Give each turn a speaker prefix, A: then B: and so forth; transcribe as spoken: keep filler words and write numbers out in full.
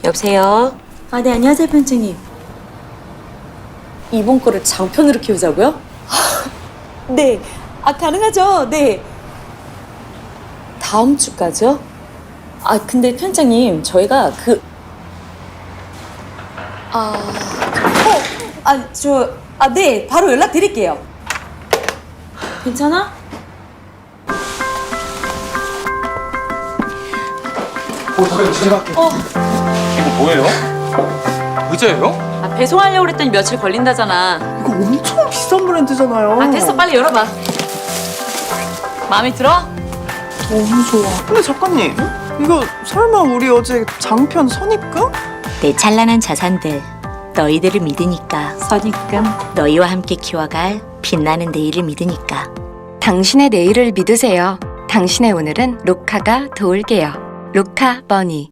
A: 여보세요?
B: 아, 네, 안녕하세요, 편집님. 이번 거를 장편으로 키우자고요? 네. 아, 가능하죠? 네. 다음 주까지요? 아, 근데 편장님, 저희가 그... 아... 어! 아, 저... 아, 네. 바로 연락드릴게요. 괜찮아?
C: 어, 잠깐 제가 할게요.
B: 어.
C: 이거 뭐예요? 의자예요?
A: 아, 배송하려고 그랬더니 며칠 걸린다잖아.
C: 이거 엄청 비싼 브랜드잖아요.
A: 아, 됐어. 빨리 열어봐. 마음에 들어?
C: 너무 좋아. 근데 작가님, 이거 설마 우리 어제 장편 선입금?
D: 내 찬란한 자산들, 너희들을 믿으니까.
A: 선입금.
D: 너희와 함께 키워갈 빛나는 내일을 믿으니까.
E: 당신의 내일을 믿으세요. 당신의 오늘은 로카가 도울게요. 로카 버니.